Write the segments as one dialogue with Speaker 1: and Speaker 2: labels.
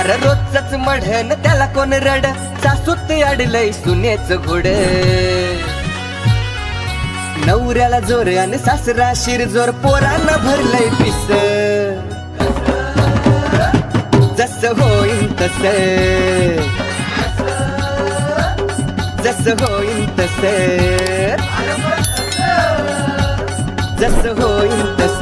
Speaker 1: अरे रोजच मढन त्याला कोण रड, सासूत अडलय सुनेच घोड. नवऱ्याला जोर आणि सासरा शिरजोर, पोरांना भरलंय पिस. जस होईन तस, जस होईन तस, जस होईन तस.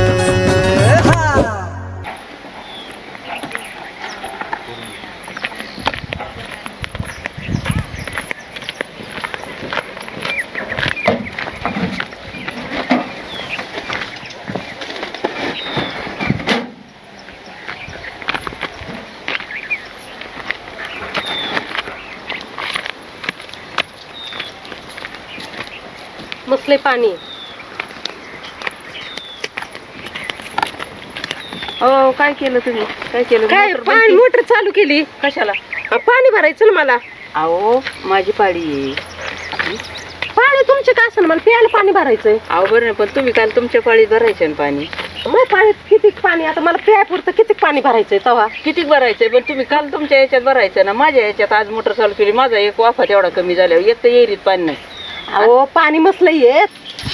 Speaker 2: मसले पाणी.
Speaker 3: हो काय केलं तुम्ही? काय केलं?
Speaker 2: काय पाणी मोटर चालू केली
Speaker 3: कशाला?
Speaker 2: पाणी भरायचं ना मला.
Speaker 3: अहो माझी पाळी आहे.
Speaker 2: पाणी तुमचे काय असं मला प्यायला पाणी भरायचंय.
Speaker 3: अहो बरं नाही, पण तुम्ही काल तुमच्या पाळीत भरायचं ना पाणी.
Speaker 2: मग पाणी किती पाणी आता मला प्यायपुरतं किती पाणी भरायचंय तवा.
Speaker 3: किती भरायचंय? पण तुम्ही काल तुमच्या याच्यात भरायचं ना. माझ्या याच्यात आज मोटर चालू केली, माझा एक वाफा तेवढा कमी झाल्यावर एक तर येरीत पाणी नाही.
Speaker 2: अहो पाणी मसलं येत.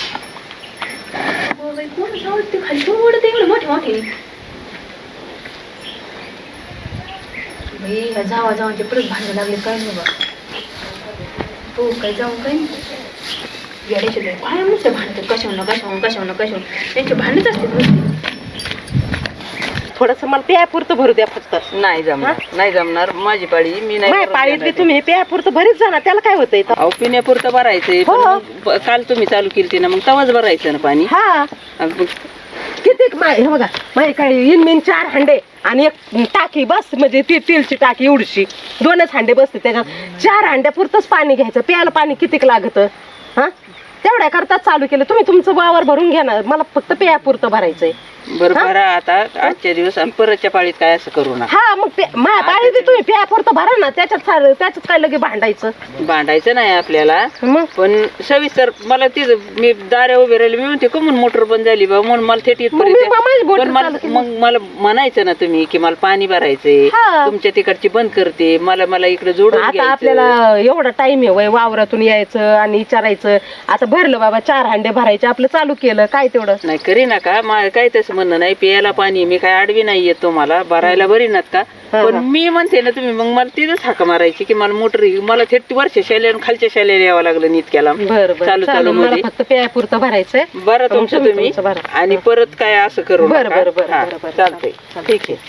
Speaker 4: जावा जावा ते परत भांडण लागले काय नाही बा. हो काय जाऊ काय येड्याचे काय नुसते भांडतात कशावर त्यांचे भांडणच असते.
Speaker 2: थोडस मला प्यायपुरतं भरू द्या फक्त.
Speaker 3: नाही जमणार, नाही जमणार. माझी पाळी मी नाही
Speaker 2: माझ्या
Speaker 3: भरून
Speaker 2: पाळीतली
Speaker 3: देणार.
Speaker 2: तुम्ही प्यायपुरतं भरीत जा ना, त्याला काय होतंय.
Speaker 3: अहो पिण्यापुरतं भरायचंय, पण
Speaker 2: हो.
Speaker 3: मग काल तुम्ही चालू केली ना, मग तवाच भरायचं ना पाणी.
Speaker 2: हा
Speaker 3: मग
Speaker 2: किती हे बघा माझे काय इनमिन 4 हांडे आणि एक टाकी बस, म्हणजे ती तेलची टाकी एवढीशी 2च हांडे बसते त्याच्यात. 4 हांड्यापुरतंच पाणी घ्यायचं. प्यायला पाणी कितीक लागत हा, तेवढ्या करता चालू केलं. तुम्ही तुमचं वावर भरून घ्या ना, मला फक्त प्यायपुरतं भरायचंय.
Speaker 3: बरं भरा आता आजच्या दिवस, आणि परतच्या पाळीत काय असं करू नका.
Speaker 2: हा मग माझ्या पाळीत तुम्ही प्यायपुरतं भरा ना, त्याच्यात काय लगे भांडायचं.
Speaker 3: भांडायचं नाही आपल्याला.
Speaker 2: मग
Speaker 3: पण सविस्तर मला तिथं मी दाऱ्या उभे राहिले, मी म्हणते का म्हणून मोटर बंद झाली बा, म्हणून मला थेट
Speaker 2: मग मी माझी मोटर
Speaker 3: पण
Speaker 2: चालू केली.
Speaker 3: मग मला म्हणायचं ना तुम्ही की मला पाणी भरायचंय,
Speaker 2: हा.
Speaker 3: तुमच्या तिकडची बंद करते, मला इकडे जोडून
Speaker 2: आता
Speaker 3: घ्यायचं.
Speaker 2: आपल्याला एवढा टाइम आहे वय वावरातून यायचं आणि विचारायचं. आता भरलं बाबा 4 हांडे भरायचे, आपलं चालू केलं काय तेवढं.
Speaker 3: नाही करी नका, मला काय तसं म्हणणं नाही. प्यायला पाणी मी काय आडवी नाही येत तुम्हाला, भरायला बरी नात का. पण मी म्हणते ना तुम्ही मग मला तिथंच हाका मारायची की मला मोटर, मला थेट वरच्या शालेला खालच्या शालेला यावं लागलं नीतक्याला.
Speaker 2: बरं
Speaker 3: चालू
Speaker 2: मला
Speaker 3: मध्ये
Speaker 2: फक्त प्यायपुरतं भरायचंय.
Speaker 3: बरं तुमचं तुम्ही,
Speaker 2: तुमचं भरा.
Speaker 3: आणि परत काय असं करू
Speaker 2: बरं,
Speaker 3: नका.
Speaker 2: बरं, बरं,
Speaker 3: हा,
Speaker 2: बरं, बरं.
Speaker 3: चालतंय, ठीक आहे.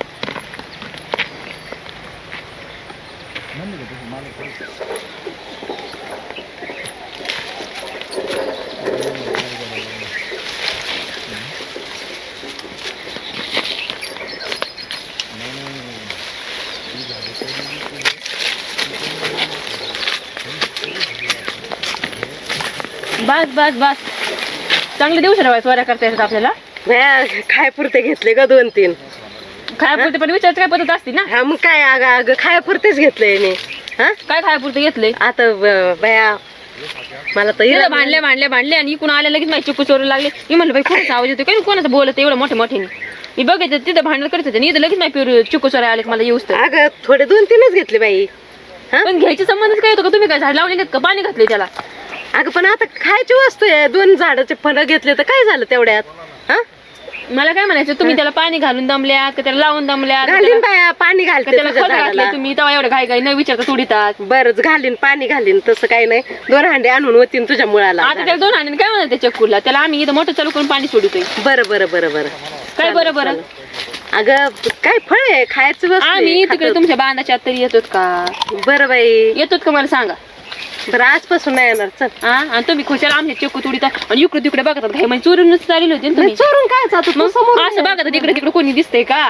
Speaker 4: बस बस बस चांगले दिवस चोऱ्या करता येतात आपल्याला.
Speaker 2: खायपुरते घेतले का 2-3.
Speaker 4: खायापुरते पण विचारायचं काय पद्धत असते ना.
Speaker 2: हा मग काय अगं खायपुरतेच घेतलंय मी. हा
Speaker 4: काय खायापुरते घेतले?
Speaker 2: आता बया मला तर
Speaker 4: तिथं भांडले आणि इकडून आल्या लगेच माझी चिकू चोरू लागले. मी म्हणलं बाई कोणाचा आवाज येतो काय, कोणाचं बोलत एवढं मोठ्याने. मी बघायचं तिथं भांडण करत होते, इथं लगेच माझी चिकू चोऱ्या आले मला येऊस तर.
Speaker 2: अगं थोडे 2-3च घेतले बाई.
Speaker 4: पण घ्यायचे संबंधच काय होतं का? तुम्ही काय झाड लावले का पाणी घातले त्याला?
Speaker 2: अगं पण आता खायची वस्तू आहे. 2 झाडाचे फळं घेतले तर काय झालं तेवढ्यात. हा
Speaker 4: मला काय म्हणायचं, तुम्ही त्याला पाणी घालून दमल्यात का त्याला लावून दमल्यात
Speaker 2: घालीन बाया, पाणी घालते
Speaker 4: त्याला
Speaker 2: तुझ्या
Speaker 4: खत घातले
Speaker 2: झाडाला.
Speaker 4: तुम्ही तेव्हा एवढं घाई न विचारता सोडितात.
Speaker 2: बरंच घालीन, पाणी घालीन, तसं काही नाही. 2 हांडे आणून होतीन तुझ्या मुळाला.
Speaker 4: आता त्याला 2 हांडे काय म्हणतात त्या चक्कूला, त्याला आम्ही इथं मोठं चालू करून पाणी सोडतोय.
Speaker 2: बरं बरं बरं बरं
Speaker 4: काय बरं
Speaker 2: अगं काय फळ आहे खायचं वस्तू आहे,
Speaker 4: आम्ही तिकडे
Speaker 2: खातो.
Speaker 4: तुमच्या बांधाच्या आत तरी येतोत का?
Speaker 2: बरं बाई
Speaker 4: येतोत का मला सांगा.
Speaker 2: बरं आजपासून नाही येणार. चल.
Speaker 4: हा आणि तुम्ही खुशाला आमच्या चक्कू तुडीता आणि इकडे तिकडे बघतात काय म्हणजे चोरून चालले होते ना तुम्ही.
Speaker 2: चोरून काय जातो तू
Speaker 4: मग
Speaker 2: समोर
Speaker 4: असं बघा तिकडे तिकडे कोणी दिसतंय का?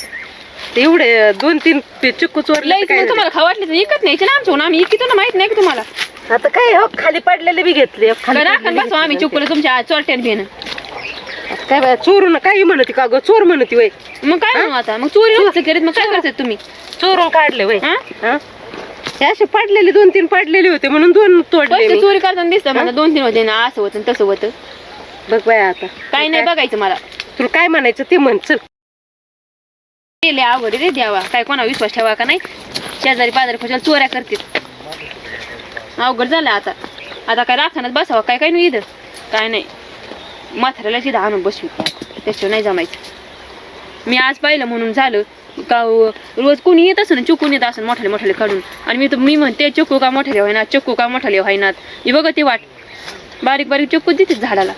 Speaker 2: एवढे 2-3 चिक्कू चोरले
Speaker 4: लईच मग तुम्हाला खाऊ वाटले तर इकत न्यायचे ना आमच्या, आम्ही इकितो ना, माहित नाही का तुम्हाला.
Speaker 2: आता काय हो खाली पडलेले बी घेतले. खाली
Speaker 4: राखण
Speaker 2: पडलेले
Speaker 4: बसू आम्ही चुकलं तुमच्या चोरट्यान भेन.
Speaker 2: घेतले. काय बाय चोरून काही म्हणती का ग, चोर म्हणती वय.
Speaker 4: मग काय म्हणू आता, मग चोरी नसतं करीत मग काय करतात तुम्ही?
Speaker 2: चोरून काढले वय.
Speaker 4: हा?
Speaker 2: हा? हे असे पडलेले 2-3 पडलेले होते म्हणून 2 तोडले
Speaker 4: पैसे
Speaker 2: मी.
Speaker 4: चोरी करताना दिसतं मला 2-3 होते ना, असं होतं तसं होतं.
Speaker 2: बघ बाय आता
Speaker 4: काही नाही बघायचं मला.
Speaker 2: तुला काय म्हणायचं ते म्हण. चल.
Speaker 4: गेले अवघड रे द्यावा काय कोणा विश्वास ठेवा का नाही शेजारी पाजारी खुशाल चोऱ्या करतील अवघड झालं आता आता काय राखण्यात बसावं काय काय नाही इथं काय नाही म्हाताऱ्याला तिथं आणून बसवी त्याच्यावर नाही जमायचं मी आज पाहिलं म्हणून झालं का रोज कोणी येत असं ना चुकून येत असं मोठाले मोठाले काढून आणि मी म्हणते चक्कू का मोठाले व्हायनात चक्कू का मोठाले व्हायनात हे बघा ती वाट बारीक बारीक चक्कू देतेच झाडाला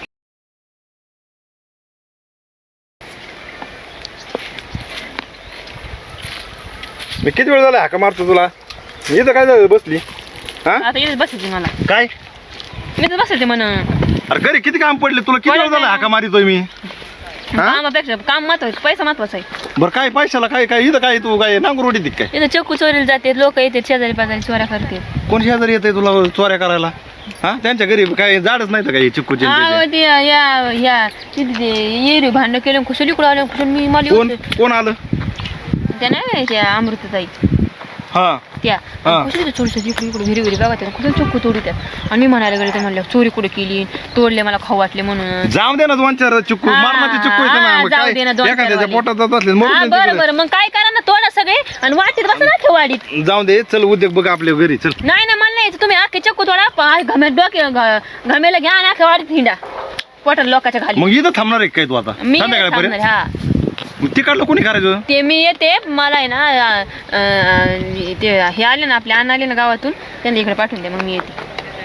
Speaker 5: मी किती वेळ झाला हाका मारतो तुला इथं काय झालं बसली हा
Speaker 4: आता येत बसायचे मला
Speaker 5: काय
Speaker 4: मी तर बसायचे म्हणा
Speaker 5: अरे घरी किती काम पडले तुला किती वेळ झाला हाका मारितोय मी
Speaker 4: कामापेक्षा काम महत्वाचं पैसा महत्वाचा आहे
Speaker 5: बरं काय पैशाला काय काय इथं काय तू काय नांगूर रोटी काय
Speaker 4: इथं चक्कू चोरीला जाते लोक येते शेजारी पाजारी चोऱ्या करते
Speaker 5: कोण शेजारी येते तुला चोऱ्या करायला हा त्यांच्या घरी काय झाडच नाही तर काय चिक्कूचे
Speaker 4: येरी भांडण केलं खुशाली कुठं आलं खुशाल मी मला
Speaker 5: कोण कोण आलं
Speaker 4: त्या नाही त्या अमृतताई
Speaker 5: हा
Speaker 4: त्या
Speaker 5: हा.
Speaker 4: खुशाली चोरी इकडे इकडे घरी घरी बघा त्या खुशाल चक्कू तोडी त्या आणि मी म्हणायला गेले तर म्हणलं चोरी कुठे केली तोडले मला खाऊ वाटले म्हणून
Speaker 5: जाऊ दे ना दोन चार चिक्कू
Speaker 4: हा,
Speaker 5: मारण्याचे चिक्कू येते ना मग
Speaker 4: जाऊ
Speaker 5: काय
Speaker 4: दे ना, दोन चार
Speaker 5: एखाद्याच्या
Speaker 4: वाले.
Speaker 5: पोटात जात असले
Speaker 4: हा
Speaker 5: मरून
Speaker 4: बरं
Speaker 5: तिकडे.
Speaker 4: बरं मग काय करा ना तोडा सगळे आणि वाटीत बसा ना ठेवाडीत
Speaker 5: जाऊ दे चल उद्योग बघ आपल्या घरी चल
Speaker 4: नाही ना मला नाही तुम्ही अख्खे चक्कू तोडा घाम्या डोके घामेला घ्या आणि अख्ख्या वाडीत हिंडा पोटात लोकांच्या खाली
Speaker 5: मग इथं थांबणार आहे काय तू आता
Speaker 4: मी नाही
Speaker 5: संध्याकाळपर्यंत
Speaker 4: थांबणार, हा
Speaker 5: तिकडलं कोणी करायचं
Speaker 4: ते मी येते मला आहे ना ते हे आले ना आपले अण्णा आले ना गावातून त्यांना इकडे पाठवून दे मग मी येते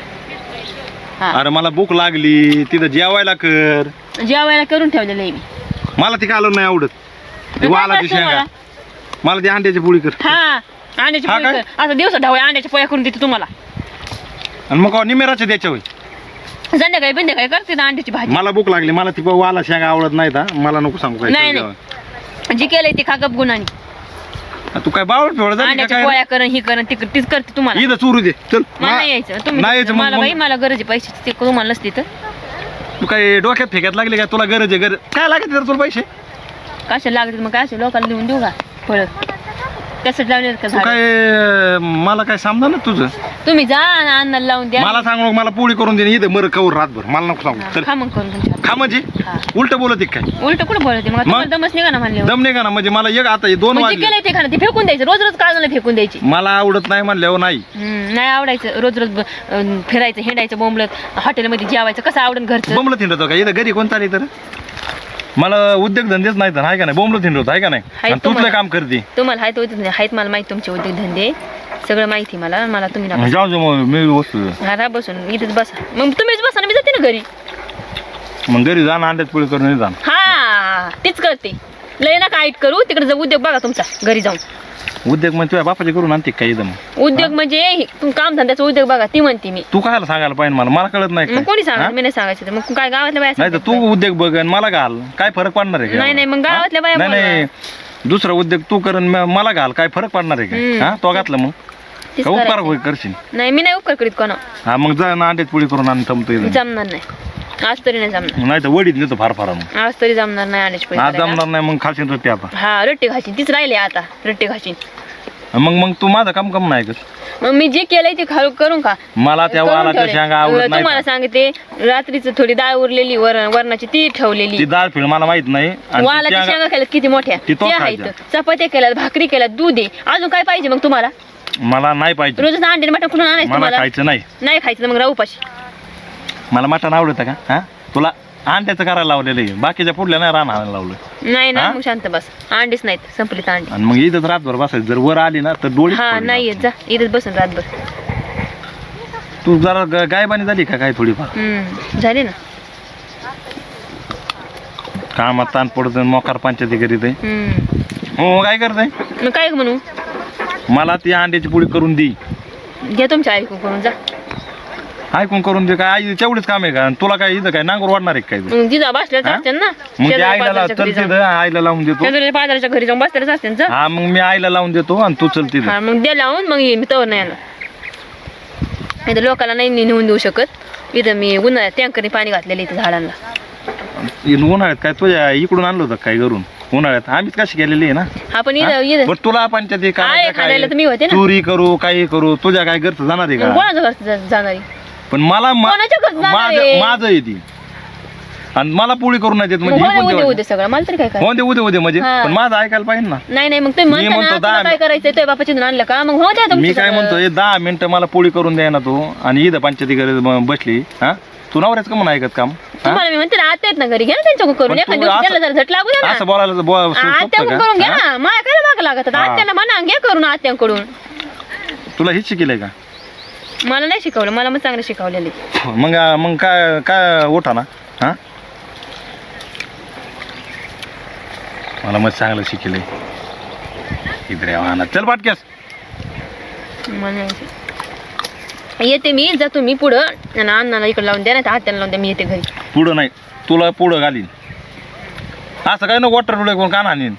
Speaker 4: हा
Speaker 5: अरे मला भूक लागली तिथं जेवायला कर
Speaker 4: जेवायला करून ठेवलेलं आहे मी
Speaker 5: मला ती कालवण नाही आवडत ती
Speaker 4: काय
Speaker 5: वालाची
Speaker 4: करायचं
Speaker 5: शेंगा
Speaker 4: मला?
Speaker 5: मला ती अंड्याची पोळी कर
Speaker 4: हा अंड्याची
Speaker 5: हा
Speaker 4: पोळी
Speaker 5: काय?
Speaker 4: कर. आता दिवसा ढवळ्या अंड्याच्या पोळ्या करून देते तुम्हाला
Speaker 5: आणि मग निमेराच्या द्यायच्या होय
Speaker 4: संध्याकाळी बिंध्याकाळी करते ना अंड्याची भाजी
Speaker 5: मला भूक लागली मला ती वाला शेंगा आवडत नाही का मला नको सांगू काय
Speaker 4: नाही,
Speaker 5: चल
Speaker 4: नाही.
Speaker 5: जेवायला.
Speaker 4: जी केलंय ते खागप गुणांनी
Speaker 5: तू काय बावळ फेवळ झाली का
Speaker 4: अंड्याच्या
Speaker 5: काय
Speaker 4: पोळ्या करण ही करण ती तीच करते तुम्हाला
Speaker 5: इथं चोरू दे चल
Speaker 4: मला नाही यायचं
Speaker 5: नाही
Speaker 4: तुम्ही
Speaker 5: यायचं
Speaker 4: मला बाई
Speaker 5: मग
Speaker 4: मला गरज आहे पैशाची ते तुम्हाला नसते तर
Speaker 5: तू काय डोक्यात फेक्यात लागली का तुला गरज आहे गरज काय लागत तुला पैसे
Speaker 4: कशाला लागते मग काय असेल लोकांना देऊन देऊ का फळ त्यासाठी लावले का
Speaker 5: तू
Speaker 4: झाड
Speaker 5: काय मला काय समजा ना तुझं
Speaker 4: तुम्ही जा ना अन्नाला लावून द्या
Speaker 5: मला सांगू नको, मला पोळी करून दे इथं मर कवर रातभर मला नको सांगू चल
Speaker 4: खा मग करून तुमच्या
Speaker 5: खा म्हणजे
Speaker 4: हा.
Speaker 5: उलट बोलत आहे काय
Speaker 4: उलट कुठं बोलते मग तुम्हाला दमच निघा ना म्हणले
Speaker 5: दम नाही का ना म्हणजे मला एक आता हे 2
Speaker 4: म्हणजे
Speaker 5: वाजले
Speaker 4: केलंय ते खाणं ते फेकून द्यायचं रोज रोज काढून फेकून द्यायची
Speaker 5: मला आवडत नाही म्हणल्यावर नाही
Speaker 4: नाही आवडायचं रोज रोज फिरायचं हिंडायचं बोंबलत हॉटेलमध्ये जेवायचं कसं आवडून घरचं
Speaker 5: बोंबलत हिंडतो का इथं घरी कोण चालली तर मला उद्योग धंदेच नाही तर आहे का नाही बोंबलत हिंडतो आहे का नाही
Speaker 4: हाय
Speaker 5: आणि तुझलं
Speaker 4: तुम्हाला.
Speaker 5: काम करते
Speaker 4: तुम्हाला आहेत मला माहिती तुमचे उद्योगधंदे सगळं माहिती मला तुम्ही नका
Speaker 5: जाऊ दे मग मी वस्तू
Speaker 4: हा बसून इथेच बसा मग तुम्हीच बसा ना मी जाते ना घरी
Speaker 5: मग घरी जाणं अंड्यात पोळी करून नाही जाणं
Speaker 4: हा तीच करते लय ना काय करू तिकडे जाऊ उद्योग बघा तुमचा घरी जाऊन
Speaker 5: उद्योग मग तुझ्या बापाचे करून आणते काय इथं मग
Speaker 4: उद्योग म्हणजे काम धंद्याचा उद्योग बघा ती म्हणते मी
Speaker 5: तू काय सांगायला पाहिजे मला कळत नाही
Speaker 4: मग
Speaker 5: काय?
Speaker 4: कोणी सांगा
Speaker 5: हा?
Speaker 4: मी नाही सांगायचं तर मग काय गावातल्या बाया
Speaker 5: नाही तर
Speaker 4: सांगतात
Speaker 5: तू उद्योग बघ आणि मला घाल काय फरक पडणार आहे का?
Speaker 4: नाही, नाही, मग
Speaker 5: हा?
Speaker 4: गावातल्या बाया
Speaker 5: नाही नाही दुसरा उद्योग तू कर आणि मला घाल काय फरक पडणार आहे
Speaker 4: हम्म.
Speaker 5: का हा तो घातलं मग
Speaker 4: तीच
Speaker 5: का उपकार
Speaker 4: करायचं.
Speaker 5: होय करशील
Speaker 4: नाही मी नाही उपकार करीत कोणा
Speaker 5: हा मग जा ना अंड्यात पोळी करून आणि थांबतो इथं
Speaker 4: जमणार नाही आज तरी नाही जमणार
Speaker 5: नाही तर वडीत नेतो फार फार मग
Speaker 4: आज तरी जमणार नाही आणण्याची पैसे
Speaker 5: आज
Speaker 4: करायला.
Speaker 5: जमणार नाही मग खाशील तर ते आता
Speaker 4: हा रट्टे घाशीन तीच राहिले आता रट्टे घाशीन
Speaker 5: मग तू माझं काम नाही कर
Speaker 4: मग मी जे केलंय ते करून का
Speaker 5: मला त्या
Speaker 4: करून
Speaker 5: वालाच्या
Speaker 4: ठेवलंय.
Speaker 5: शेंगा आवडत
Speaker 4: तुम्हाला
Speaker 5: नाही
Speaker 4: सांगते रात्रीच थोडी डाळ उरलेली वरणाची ती
Speaker 5: ती
Speaker 4: ठेवलेली
Speaker 5: डाळ फिळ मला माहित नाही आणि ती
Speaker 4: वालाच्या
Speaker 5: शेंगा-
Speaker 4: शेंगा केल्यात किती मोठ्या
Speaker 5: ती तो
Speaker 4: त्या
Speaker 5: खायच्या.
Speaker 4: आहेत चपात्या केल्यात भाकरी केल्यात दूध आहे अजून काय पाहिजे मग तुम्हाला
Speaker 5: मला नाही पाहिजे
Speaker 4: रोजच अंडे मटण कुठून आणायचं
Speaker 5: मला
Speaker 4: तुम्हाला
Speaker 5: खायचं नाही
Speaker 4: नाही खायचं तर मग राहू उपाशी
Speaker 5: मला मटण आवडतं का हा तुला अंड्याचं करायला लावलेलं आहे बाकीच्या पुढल्या नाही राहणार लावलं
Speaker 4: नाही ना
Speaker 5: हा?
Speaker 4: मग शांत बस अंडीच नाहीत संपलीत अंडी
Speaker 5: आणि मग इथंच रातभर बसायचं जर वर आली ना तर डोळी
Speaker 4: हा नाही येत जा इथेच बसून रातभर
Speaker 5: तू जरा गायबानी झाली का काय थोडीफार
Speaker 4: झाले ना
Speaker 5: कामात ताण पडत मोकार पंचायती करीत आहे.
Speaker 4: हम्म.
Speaker 5: हो काय करते
Speaker 4: मग काय म्हणू
Speaker 5: मला ती अंड्याची पोळी करून दे
Speaker 4: घ्या तुमच्या ऐकून करून जा
Speaker 5: ऐकून करून दे काय आई तेवढंच काम आहे का आणि तुला काय इथं काय नांगूर वाढणार आहे काय
Speaker 4: मग जिजा बसल्याच
Speaker 5: हा?
Speaker 4: असते ना
Speaker 5: मग ते
Speaker 4: शेजारी
Speaker 5: आईला
Speaker 4: पाजारच्या
Speaker 5: चल
Speaker 4: घरी जाऊन.
Speaker 5: तिथं आईला लावून देतो
Speaker 4: शेजारी पाजारच्या घरी जाऊन बसल्याच असते ना जा.
Speaker 5: हा मग मी आईला लावून देतो आणि तू चल तिथं
Speaker 4: हा मग दे लावून मग ये मी तवर नाही येणार इथं लोकांना नाही नेऊन देऊ शकत इथं मी उन्हाळ्यात टँकरने पाणी घातलेलं इथं झाडांना
Speaker 5: उन्हाळ्यात काय तुझ्या इकडून आणलं होतं काय करून उन्हाळ्यात आम्हीच कशी केलेली आहे ना
Speaker 4: आपण
Speaker 5: हा?
Speaker 4: इथं
Speaker 5: बरं तुला पंचायती
Speaker 4: आहे, खाण्याला तर मी होते ना.
Speaker 5: चोरी करू काही करू तुझ्या काय घरचं जाणार आहे का
Speaker 4: कोणाच्या घरचं जाणारी
Speaker 5: पण मला
Speaker 4: कोणाच्या घरचं जाणार आहे?
Speaker 5: माझं आहे ती आणि मला पोळी करून नाही देत
Speaker 4: मग
Speaker 5: म्हणजे
Speaker 4: हो
Speaker 5: हे
Speaker 4: दे
Speaker 5: कोणते
Speaker 4: उद्या
Speaker 5: वाजले?
Speaker 4: उद्या सगळं मला तरी काय काय
Speaker 5: हो दे उद्या म्हणजे
Speaker 4: हा.
Speaker 5: पण माझं ऐकायला पाहिजे ना.
Speaker 4: नाही मग तुम्ही म्हणता
Speaker 5: म्हणतो
Speaker 4: ना तुला
Speaker 5: 10
Speaker 4: काय करायचंय तुझ्या बापाची धुन आणलं का मग हो द्या
Speaker 5: मी
Speaker 4: तुमचं
Speaker 5: काय
Speaker 4: सगळं.
Speaker 5: म्हणतो 10 मिनिटं मला पोळी करून द्या ना तू आणि इथं पंचायती घरी बसली हा तू नवऱ्याच का म्हणून ऐकत काम हा?
Speaker 4: तुम्हाला मी म्हणते ना आत्या आहेत ना घरी घ्या ना त्यांच्याकडून करून
Speaker 5: पण
Speaker 4: एखाद्या
Speaker 5: तू
Speaker 4: दिवशी
Speaker 5: असं-
Speaker 4: त्याला जरा झट लागू द्या
Speaker 5: असं
Speaker 4: ना
Speaker 5: बोलायला
Speaker 4: आत्याकडून करून घ्या ना माया काय माग लागत
Speaker 5: हा.
Speaker 4: आत्याला म्हणा घ्या करून आत्यांकडून
Speaker 5: तुला हेच शिकेलंय का
Speaker 4: मला नाही शिकवलं मला मग चांगलं शिकवलेलं
Speaker 5: मग मग काय काय उठा ना हा मला मग चांगलं शिकेलंय इकडे वाहना चल पाटक्यास
Speaker 4: मला नाही शिकवलं. येते मी जातो मी पुढं आणि अण्णाला इकडे लावून द्या ना आत्याला लावून द्या मी येते घरी
Speaker 5: पुढं नाही तुला पुढं घालीन असं काय नको वाटर डोळे कोण का आणीन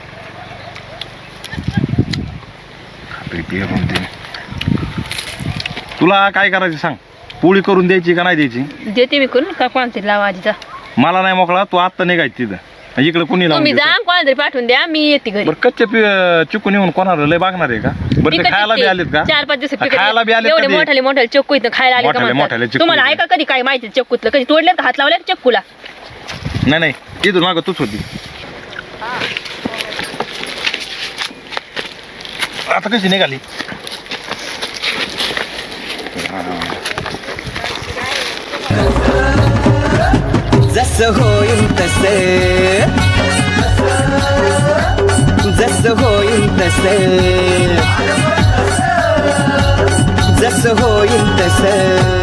Speaker 5: तुला काय करायचं सांग पोळी करून द्यायची का नाही द्यायची
Speaker 4: देते मी करून का कोणातरी लावा आधीचा
Speaker 5: मला नाही मोकळा तू आत्ता निघायची तिथं इकडे कुणी लावून
Speaker 4: तुम्ही
Speaker 5: देतं?
Speaker 4: जा कोणाला तरी पाठवून द्या मी येते घरी
Speaker 5: बरं कच्चे चिकून येऊन कोणाला लय बागणार आहे का बरं ते खायला बी आलेत का
Speaker 4: 4-5 दिवस
Speaker 5: खायला बी आलेत
Speaker 4: एवढे
Speaker 5: कधी?
Speaker 4: मोठाले चक्कू इथं खायला आले का
Speaker 5: मोठाले
Speaker 4: म्हणतात?
Speaker 5: चक्कू
Speaker 4: तुम्हाला
Speaker 5: इथं.
Speaker 4: ऐका कधी काय माहिती चक्कूतलं कधी तोडले का हात लावले का चक्कूला
Speaker 5: नाही इथून मागं तूच होती आता कशी निघाली
Speaker 1: जसं होईल तसे जसं होईल तसे जसं होईल तसे